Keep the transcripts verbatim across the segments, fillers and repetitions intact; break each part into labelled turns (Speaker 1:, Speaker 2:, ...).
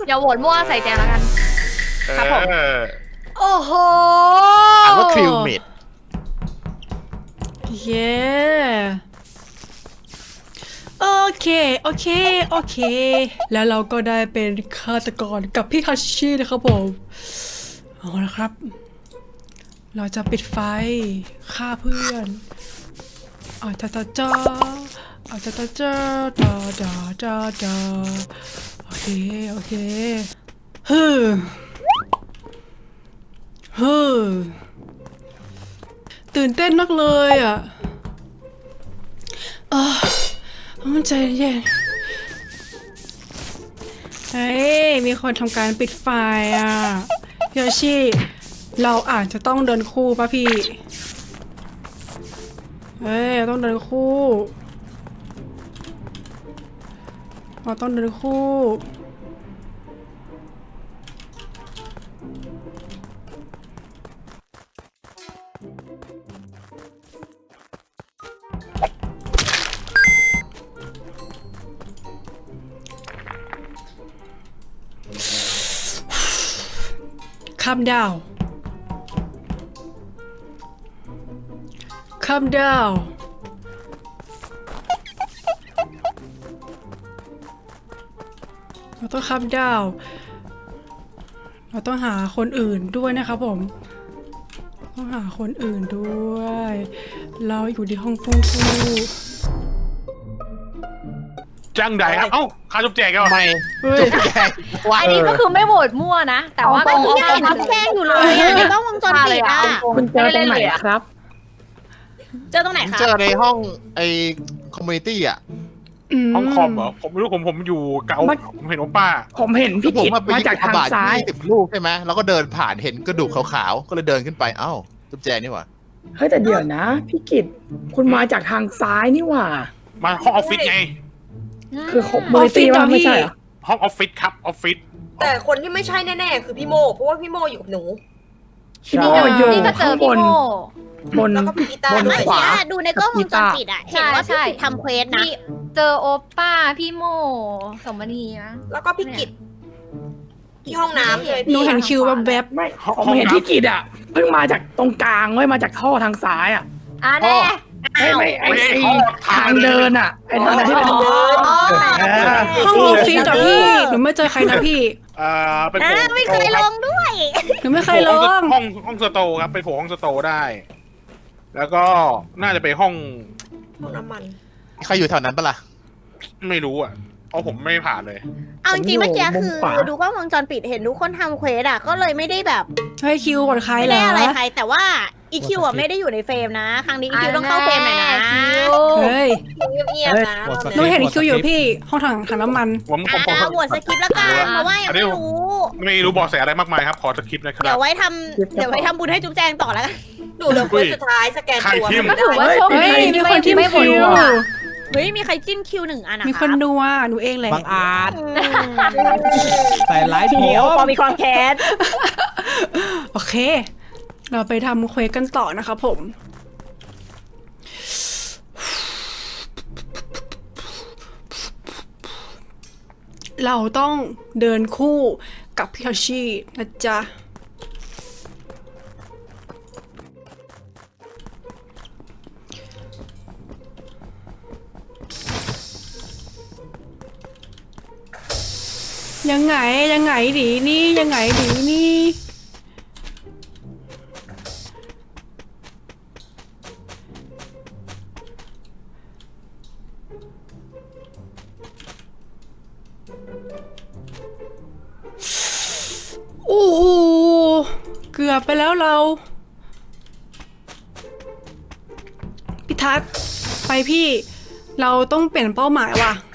Speaker 1: อย่าโหวตมั่วใส่แจงแล้วกันครับผม
Speaker 2: โอ้โห
Speaker 3: อ่านว่าคริวมิด
Speaker 2: เย้โอเคโอเคโอเคแล้วเราก็ได้เป็นฆาตกรกับพี่ทัชชี่นะครับผมเอาละครับเราจะปิดไฟฆ่าเพื่อนอาจจะจ้าจ้าอาจจะจ้าจ้าจ้าจ้าจ้าจ้าโอเคโอเคฮึฮึตื่นเต้นมากเลยอ่ะเออมันใจเย็นเฮ้ยมีคนทำการปิดไฟอ่ะโยชิเราอาจจะต้องเดินคู่ป่ะพี่เฮ้ยต้องเดินคู่เราต้องเดินคู่Calm down Calm down เราต้อง calm down เราต้องหาคนอื่นด้วยนะครับผมต้องหาคนอื่นด้วยเราอยู่ที่ห้องฟูฟู
Speaker 4: จังใดครับเอ้าข้าจุ๊บแจกแล้ว
Speaker 3: ทำไม
Speaker 2: เฮ้ย
Speaker 3: จุ๊บแจงว่า
Speaker 1: อันนี้ก็คือไม่โหวตมั่วนะ แต่ว่า
Speaker 5: ตรง
Speaker 1: ก็
Speaker 5: ๆ
Speaker 1: เห็น
Speaker 5: น้ำแจ้งอยู่เลยอะในกล้องวงจรปิดอะคุณเจอตรงไหนครับ เจอตรงไหนคะ
Speaker 3: เจอในห้องไอ้คอมมูนิตี้อ่ะ
Speaker 4: ห้องคอมเหรอผมไม่รู้ผมผมอยู่เก่าผมเห็นโอป้า
Speaker 5: ผมเห็น
Speaker 3: คือ
Speaker 5: พี่
Speaker 3: ผม
Speaker 5: กิต
Speaker 3: มาไป
Speaker 5: มา
Speaker 3: ยิง
Speaker 5: จาก
Speaker 3: กระ
Speaker 5: ทาง
Speaker 3: บาด
Speaker 5: ซ้าย
Speaker 3: ยี่สิบลูกใช่ไหมแล้วก็เดินผ่านเห็นกระดูกขาวๆก็เลยเดินขึ้นไปเอ้าจุ๊บแจงนี่หว่า
Speaker 5: เฮ้ยแต่เดี๋ยวนะ พี่กิตคุณมาจากทางซ้ายนี่หว่า
Speaker 4: มาห้องออฟฟิศไง
Speaker 5: คือเขาเบอร์ตี้ว่าไม่ใช่เหรอ
Speaker 4: ห้องออฟฟิศครับออฟฟิศ
Speaker 6: แต่คนที่ไม่ใช่แน่ๆคือพี่โมเพราะว่าพี่โมอยู่กับหนู
Speaker 5: พี่โมอยู่
Speaker 1: นี่ก็เจ
Speaker 5: ข้า
Speaker 1: อง
Speaker 5: บ
Speaker 1: พี่
Speaker 5: น
Speaker 1: โม่
Speaker 5: บน
Speaker 6: แล้วก็พี่กีตาร์
Speaker 5: บน
Speaker 6: ด้วย
Speaker 5: ขวา
Speaker 7: ดูในกล้องวงจรปิดอะ
Speaker 1: ใช่
Speaker 7: เห็นว่า
Speaker 1: ใช่
Speaker 7: พี่ทำเควสนะ
Speaker 1: พี่เจอโอป้าพี่โม่สมณีนะ
Speaker 6: แล้วก็พี่กิตที่ห้องน้ำใช่ไหม
Speaker 2: หนู
Speaker 6: พี่
Speaker 2: เห็นคิวแบบแบบ
Speaker 5: ไม่ผมเห็นพี่กิตอ่ะเพิ่งมาจากตรงกลางเว้ยมาจากท่อทางซ้ายอ่ะ
Speaker 1: อ่ะแน่
Speaker 5: ไม่ไม่ไอไอทางเดินอ่ะไอทางเดินที่เป็น
Speaker 6: อ๋อ
Speaker 2: ห้องออฟฟิศอะพี่หนูไม่เจอใครนะพี่
Speaker 4: เอ่อไป
Speaker 7: อ่า
Speaker 4: โผล่
Speaker 7: ไม่เคยลงด้วย
Speaker 2: หนูไม่เคยลง
Speaker 4: ห้องห้องสโตร์ครับไปโผล่ห้องสโตร์ได้ แล้วก็น่าจะไปห้อง
Speaker 6: ห้องน้ำมัน
Speaker 3: ใครอยู่แถวนั้นปะล่ะ
Speaker 4: ไม่รู้อ่ะเพราะผมไม่ผ่านเลย
Speaker 7: เอาจริงๆเมื่อกี้คือดูกล้องวงจรปิดเห็นทุกคนทำเควสอะก็เลยไม่ได้แบบ
Speaker 2: ให้คิวก่อนใคร
Speaker 7: ไม่
Speaker 2: เหร
Speaker 7: ได้
Speaker 2: อ
Speaker 7: อะไรใคร แต่ว่าอีคิวอะไม่ได้อยู่ในเฟรมนะ ครั้งนี้อีคิวต้องเข้าเฟรมหน่อยนะ
Speaker 1: คิว
Speaker 2: เฮ้ย
Speaker 6: เงียบๆนะ
Speaker 2: หนูเห็นคิวอยู่พี่ห้องถังถังน้ำมัน
Speaker 4: ผมผมผม
Speaker 7: อ่าโหวตสคริปต์ละกันเพราะว่ายังไม่รู้
Speaker 4: ไม่รู้เบอกแสอะไรมากมายครับ ขอสคริปต์นะครั
Speaker 7: เดี๋ย
Speaker 4: บ
Speaker 7: วไว้ทำเดี๋ยวไว้ทำบุญให้จุ๊บแจงต่อแล้วกัน
Speaker 6: หนูเหลือคนสุดท้ายสแกนตัว
Speaker 4: ใครพิมพ์
Speaker 1: ก็ถือว่าโชค
Speaker 2: เฮ้ย
Speaker 1: ดี
Speaker 2: มีคนที่
Speaker 1: ไม่
Speaker 2: คิว
Speaker 1: โหวตมั่ว
Speaker 7: เฮ้ยมีใครจิ้มคิวหนึ่งอันนะ
Speaker 2: มีคนดูอ่ะหนูเองแหละ
Speaker 8: บางอาจ
Speaker 7: อืม
Speaker 8: ใส่ร้ายผม
Speaker 7: เดี๋ยวพอมีความแค้น
Speaker 2: โอเค เราไปทำเควสกันต่อนะครับผม เราต้องเดินคู่กับพี่ทาชินะจ๊ะ ยังไงยังไงดีนี่ยังไงดีนี่โอ้โหเกือบไปแล้วเราพิทัศน์ไปพี่เราต้องเปลี่ยนเป้าหมายว่ะ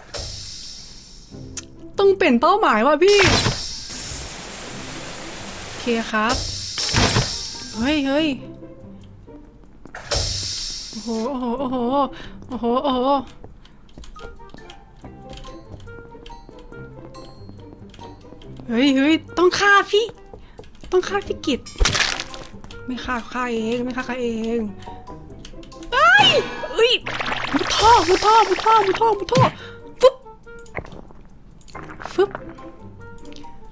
Speaker 2: ต้องเปลี่ยนเป้าหมายว่ะพี่โอเคครับเฮ้ยเฮ้ยโอ้โหโอ้โหโอ้โหโอ้โหโอ้โหเฮ้ยเฮ้ยต้องฆ่าพี่ต้องฆ่าพี่กิตไม่ฆ่าฆ่าเองไม่ฆ่าฆ่าเองเฮ้ยเฮ้ยมุดท่อมุดท่อมุดท่อมุดท่อมุดท่อฟึบฟึบ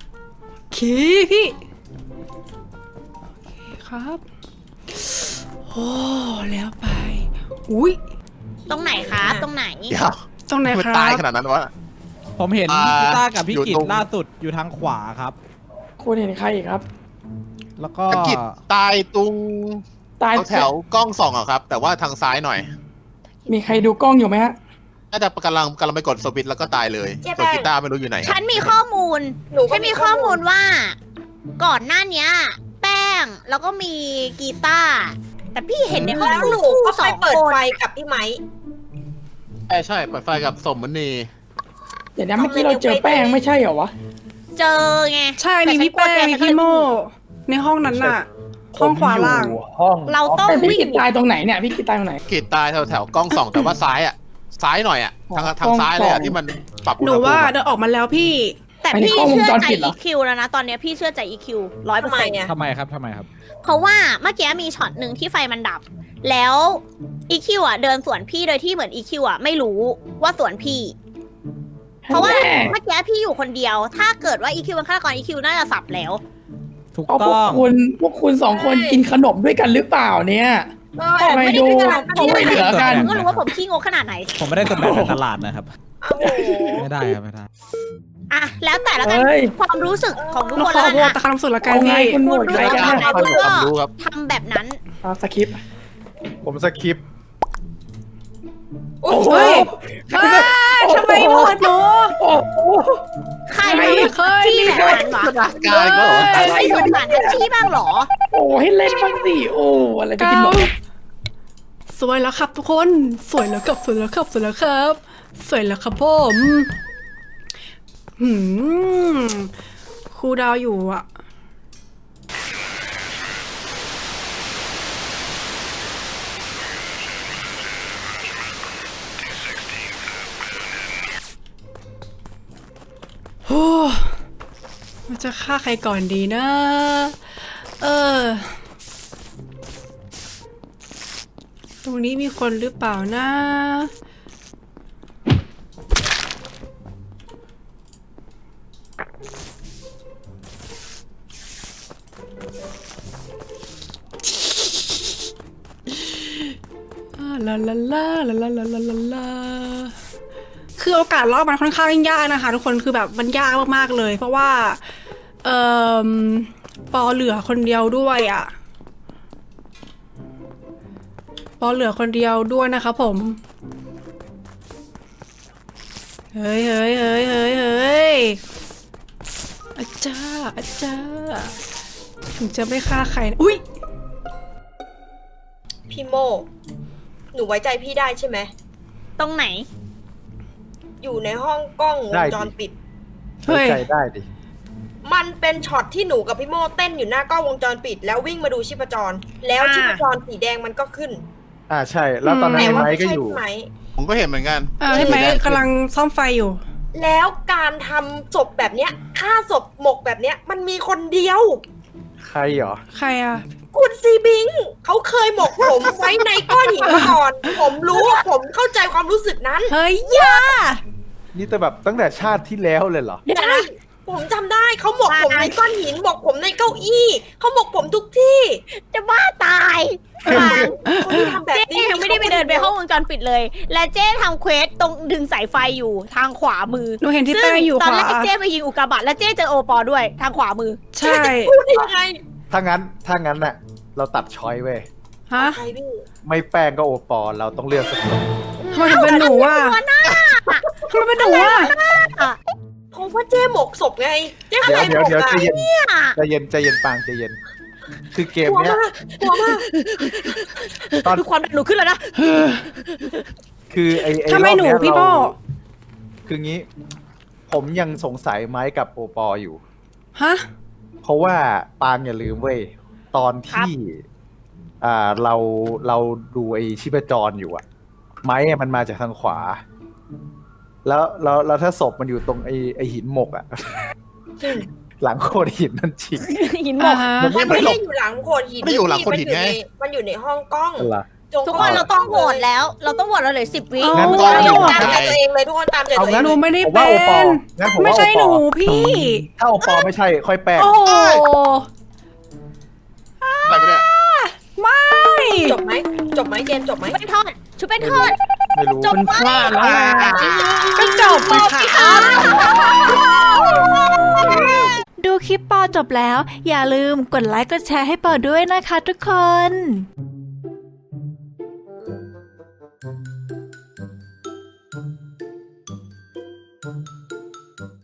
Speaker 2: เคพี่โอเคครับโอ้แล้วไปอุ้ย
Speaker 7: ตรงไหนครับตรงไหน
Speaker 3: เดี๋ยว
Speaker 2: ตรงไหน
Speaker 3: มัน
Speaker 2: ครับ
Speaker 3: ตายขนาดนั้นวะ
Speaker 8: ผมเห็น
Speaker 3: อ่า
Speaker 8: พี่กีตาร์กับพี่
Speaker 3: อยู่
Speaker 8: กิต
Speaker 3: ตรง
Speaker 8: ล่าสุดอยู่ทางขวาครับ
Speaker 9: คุณเห็นใครอีกครับ
Speaker 8: แล้วก็
Speaker 3: ตะกิดตายตรง
Speaker 9: ตาย
Speaker 3: แถวๆกล้องส่องอะครับ แต่ว่าทางซ้ายหน่อย
Speaker 9: มีใครดูกล้องอยู่ไหมฮะ
Speaker 3: น่าจะกำลังกำลังไปกดสวิตช์แล้วก็ตายเลย
Speaker 6: เจ๊
Speaker 3: ส่วน
Speaker 6: แป้ง
Speaker 3: กีตาร์ไม่รู้อยู่ไหน
Speaker 7: ฉันมีข้อมูล
Speaker 6: หนูก็
Speaker 7: ฉันมีข้อมูลว่า ก่อนหน้าเนี้ย แป้งแล้วก็มีกีตาร์แต่พี่เห็นในห้อง
Speaker 6: แล้วหนู
Speaker 7: คู่
Speaker 6: ก็
Speaker 7: ส
Speaker 6: ไป
Speaker 7: อง
Speaker 6: เปิด
Speaker 7: คน
Speaker 6: ไฟกับพี่ไม้
Speaker 3: ใช่ใช่เปิดไฟกับสมมณี
Speaker 9: เดี๋ยวนะเมื่อกี้เราเจอแป้งไม่ใช่เหรอวะ
Speaker 7: เจอไง
Speaker 2: ใช่มี
Speaker 7: ต่
Speaker 2: พี่แป้ง
Speaker 7: ฉัน
Speaker 2: มี
Speaker 7: กลัว
Speaker 2: พี่โม
Speaker 7: แก
Speaker 2: ในห้องนั้นน่ะ ห้องขวาล่าง
Speaker 9: ผมอยู่ห้อง
Speaker 7: เราต้อง
Speaker 9: แต่พี่
Speaker 7: วิ่ง
Speaker 9: กิตตายตรงไหนเนี่ยพี่กิตตายตรงไหน
Speaker 3: กีดตายแถวแถวๆกล้องส่องแต่ว่าซ้ายอะซ้ายหน่อยอะทางทางซ้ายเลยอะที่มันปรับ
Speaker 2: หนูว่าเดินออกมาแล้วพี่
Speaker 7: แต่
Speaker 9: อันนี้
Speaker 7: พี่
Speaker 9: กล้องวง
Speaker 7: เชื่
Speaker 9: จ
Speaker 7: อ
Speaker 9: ร
Speaker 7: ใจ
Speaker 9: ปิดเหรอ
Speaker 7: อี คิว แล้วนะตอนเนี้ยพี่เชื่อใจ อี คิว ร้อยเปอ
Speaker 6: ทำ
Speaker 7: ร์
Speaker 6: ไม
Speaker 7: เซ็นต์
Speaker 6: เนี่ย
Speaker 8: ทำไมครับทำไมครับ
Speaker 7: เพราะว่าเมื่อกี้มีช็อตหนึ่งที่ไฟมันดับ แล้ว อี คิว อ่ะเดินสวนพี่โดยที่เหมือน อี คิว อ่ะไม่รู้ว่าสวนพี่ เพราะว่า
Speaker 9: แน่
Speaker 7: เมื่อกี้พี่อยู่คนเดียว ถ้าเกิดว่า อี คิว เป็นฆาตกร อี คิว น่าจะสับแล้ว
Speaker 8: ถูก
Speaker 9: เอาพว
Speaker 8: ต้
Speaker 9: ก
Speaker 8: อง
Speaker 9: คุณพวกคุณสองคนกินขนมด้วยกันหรือเปล่าเนี่ย
Speaker 6: เออ
Speaker 9: ทำไม
Speaker 7: ไม่ได้
Speaker 9: ดู
Speaker 7: เป็นขนาด
Speaker 9: ช่วยเหลือกัน
Speaker 7: ผมก็รู้ว่าผมขี้งกขนาดไหน
Speaker 8: ผมไม่ได้สมบัติในตลาดนะครับ
Speaker 6: โอ้โห
Speaker 8: ไม่ได้ครับไม่ได้
Speaker 7: อ่ะ แล้วแต่ละกัน
Speaker 9: เฮ้ย
Speaker 7: ความรู้สึกของทุก
Speaker 2: หนู
Speaker 7: คน
Speaker 2: ขอ
Speaker 7: แล้ว
Speaker 2: โหว
Speaker 7: กั
Speaker 2: ต
Speaker 7: น
Speaker 2: แต่
Speaker 7: อะ
Speaker 2: คำสุดละกัน
Speaker 9: เอาไง
Speaker 2: พี่
Speaker 9: คุณโหว
Speaker 7: คุณ
Speaker 9: ต
Speaker 7: รู้
Speaker 9: ใคร
Speaker 7: สึก
Speaker 9: กัน
Speaker 7: ยัง
Speaker 9: นะ
Speaker 7: ไงคุณก็
Speaker 3: ความรู้ครับ
Speaker 7: ทำแบบนั้น
Speaker 9: เอาสคริปต์
Speaker 4: ผมสคริปต์
Speaker 6: โอ้โห
Speaker 2: เฮ้ยอ้าทำไมโหวตหนู
Speaker 9: โอ้โห
Speaker 7: ใคร
Speaker 2: ไม่เคย
Speaker 7: ที่
Speaker 2: มี
Speaker 7: แบบนั้นวะ
Speaker 3: กายก็เหรอ
Speaker 7: ไม่สงสารทัชชี่บ้างเหรอ
Speaker 9: โอ้ให้เล่นบ้างสิโอ้อะไรไปกินนม
Speaker 2: สวยแล้วครับทุกคนสวยแล้วครับสวยแล้วครับสวยแล้วครับสวยแล้วครับผมหืมครูดาวอยู่อ่ะโอ้มันจะฆ่าใครก่อนดีนะ เออ ตรงนี้มีคนหรือเปล่านะ อ่าลาลาลาลาลาลาลาลาลาคือโอกาสรอดมันค่อนข้างยากนะคะทุกคนคือแบบมันยากมากๆเลย เพราะว่าเอ่อปอเหลือคนเดียวด้วยอ่ะปอเหลือคนเดียวด้วยนะคะผม เฮ้ยเฮ้ยเฮ้ยเฮ้ยเฮ้ยอาจารย์อาจารย์ถึงจะไม่ฆ่าใครนะอุ้ย
Speaker 6: พี่โม หนูไว้ใจพี่ได้ใช่ไหม
Speaker 7: ตรงไหน
Speaker 6: อยู่ในห้องกล้องว
Speaker 4: ได้
Speaker 6: ง
Speaker 4: ดิ
Speaker 6: จรปิด
Speaker 2: เฮ้ย
Speaker 4: ใจได้ดิ
Speaker 6: มันเป็นช็อตที่หนูกับพี่โมเต้นอยู่หน้ากล้องวงจรปิด แล้ววิ่งมาดูชีพจร แล้ว
Speaker 7: อ่า
Speaker 6: ชีพจรสีแดงมันก็ขึ้น
Speaker 4: อ่าใช่ แล้วตอนนั้น
Speaker 6: แต่
Speaker 4: ไอ้
Speaker 6: ว่า
Speaker 4: ไม้
Speaker 6: ไม่
Speaker 4: ก็
Speaker 6: ใช่
Speaker 4: อยู่
Speaker 6: พี่ไม้
Speaker 3: ผมก็เห็นเหมือนกัน
Speaker 2: เออใช่ไหมกำลังซ่อมไฟอยู่
Speaker 6: แล้วการทำศพแบบเนี้ยฆ่าศพหมกแบบเนี้ย มันมีคนเดียว
Speaker 4: ใครเหรอ
Speaker 2: ใครอ่ะ
Speaker 6: คุณซีบิงเขาเคยหมกผมไว้ในก้อนหินมาก่อน ผมรู้ผมเข้าใจความรู้สึกนั้น
Speaker 2: เฮ้ยย่า
Speaker 4: นี่แต่แบบตั้งแต่ชาติที่แล้วเลยเหรอ
Speaker 6: ใช่ผมจำได้เขาหมกผมในก้อนหินหมกผมในเก้าอี้เขาหมกผมทุกที่
Speaker 7: จะบ้าตาย
Speaker 6: คนที่ทำแบบ
Speaker 7: เจ๊
Speaker 6: นี้
Speaker 7: ยังไม่ได้ไปเดินไปห้องวงจรปิดเลย และเจ๊ทำเควสตรงดึงสายไฟอยู่ทางขวามือ
Speaker 2: หนูเห็นที่
Speaker 7: ซึ่ง
Speaker 2: แป้งอยู่
Speaker 7: ตอน
Speaker 2: ข
Speaker 7: แร
Speaker 2: วา
Speaker 7: กเจ๊ไปยิงอุกกาบาตและเจ๊เจอโอปอด้วยทางขวามือ
Speaker 2: ใช่
Speaker 6: พูดได้ยังไง
Speaker 4: ถ้างั้น ถ้างั้นน่ะ เราตัดช้อยเว้ย
Speaker 2: ฮะ
Speaker 6: ใครพี่
Speaker 4: ไม่แป้งก็โอปอล์เราต้องเลือกสักคน
Speaker 2: ทำไมถึงเป็นหนูอ่ะทำไมเป็นหนูอ่ะ
Speaker 6: เพราะว่าเจ๊หมกศพไงเจ๊ก็
Speaker 4: เดี๋
Speaker 6: เลย ยว หม
Speaker 4: เดี๋ยว
Speaker 6: ก
Speaker 4: เดี๋ยว
Speaker 6: อะ
Speaker 4: ใจเย็นใจเย็นใจเย็นปางใจเย็น คือเกม
Speaker 6: กลัว
Speaker 4: เนี้ย
Speaker 6: มากกลัวมาก
Speaker 4: ตอน
Speaker 7: คือความดันหนูขึ้นแล้วนะ
Speaker 4: คือไอ้ไอ้
Speaker 2: ทำไมหนู
Speaker 4: รอบเย
Speaker 2: พี่โบ
Speaker 4: เราคืองี้ ผมยังสงสัยไม้กับโอปอล์อยู่
Speaker 2: ฮะ
Speaker 4: เพราะว่าปางอย่าลืมเว้ย ตอนที่ อ่าเราเราดูไอ้ชีพจรอยู่อะไม้อะมันมาจากทางขวา แล้วแล้วแล้วถ้าศพมันอยู่ตรงไอ้ไอ้หินหมกอะ หลังโคตรหินนั่นจริง
Speaker 7: หินหม
Speaker 2: อ่าก ฮะ
Speaker 3: มัน
Speaker 6: มั
Speaker 3: ไม่
Speaker 6: น
Speaker 3: ไม่
Speaker 6: ไม่
Speaker 3: หล
Speaker 6: ได้
Speaker 3: บ
Speaker 6: อยู่หลังโขดหิน
Speaker 3: ไม่ได้อยู่หลังโขดหินไง
Speaker 6: มันอยู่ในมันอยู่ในห้องกล้อง
Speaker 4: อะไร
Speaker 6: จจง
Speaker 7: ทุกคนเราต้องโหวตแล้ว เราต้องโหวตเราเหลือสิบวิ
Speaker 2: เอา
Speaker 3: งั้นก็
Speaker 6: ตามใจตัวเองเลยทุกคนตามใจ
Speaker 4: เอา
Speaker 6: ตัวเอ
Speaker 4: งั้
Speaker 6: ง
Speaker 4: น
Speaker 2: หนูไม่ได้
Speaker 4: ผม
Speaker 2: เป็
Speaker 4: ว่าโอปอน งั้นผมว่า
Speaker 2: ไม่ใช่
Speaker 4: โอปอ
Speaker 2: หนูพี่
Speaker 4: ถ้าโอปอไม่ใช่ค่อยแป้ง
Speaker 2: โอ้โห
Speaker 3: อะไรไปเนี่ย
Speaker 2: ไม่
Speaker 6: จบไหมจบไหมเจนจบไหม
Speaker 7: ชุบเป็นทอดชุบเป็นทอด
Speaker 4: ไม่รู้
Speaker 7: จบ
Speaker 9: พลาดแล้ว
Speaker 2: ก็จบไปค่ะ
Speaker 10: ดูคลิปปอจบแล้ว อย่าลืมกดไลค์กดแชร์ให้ปอด้วยนะคะทุกคน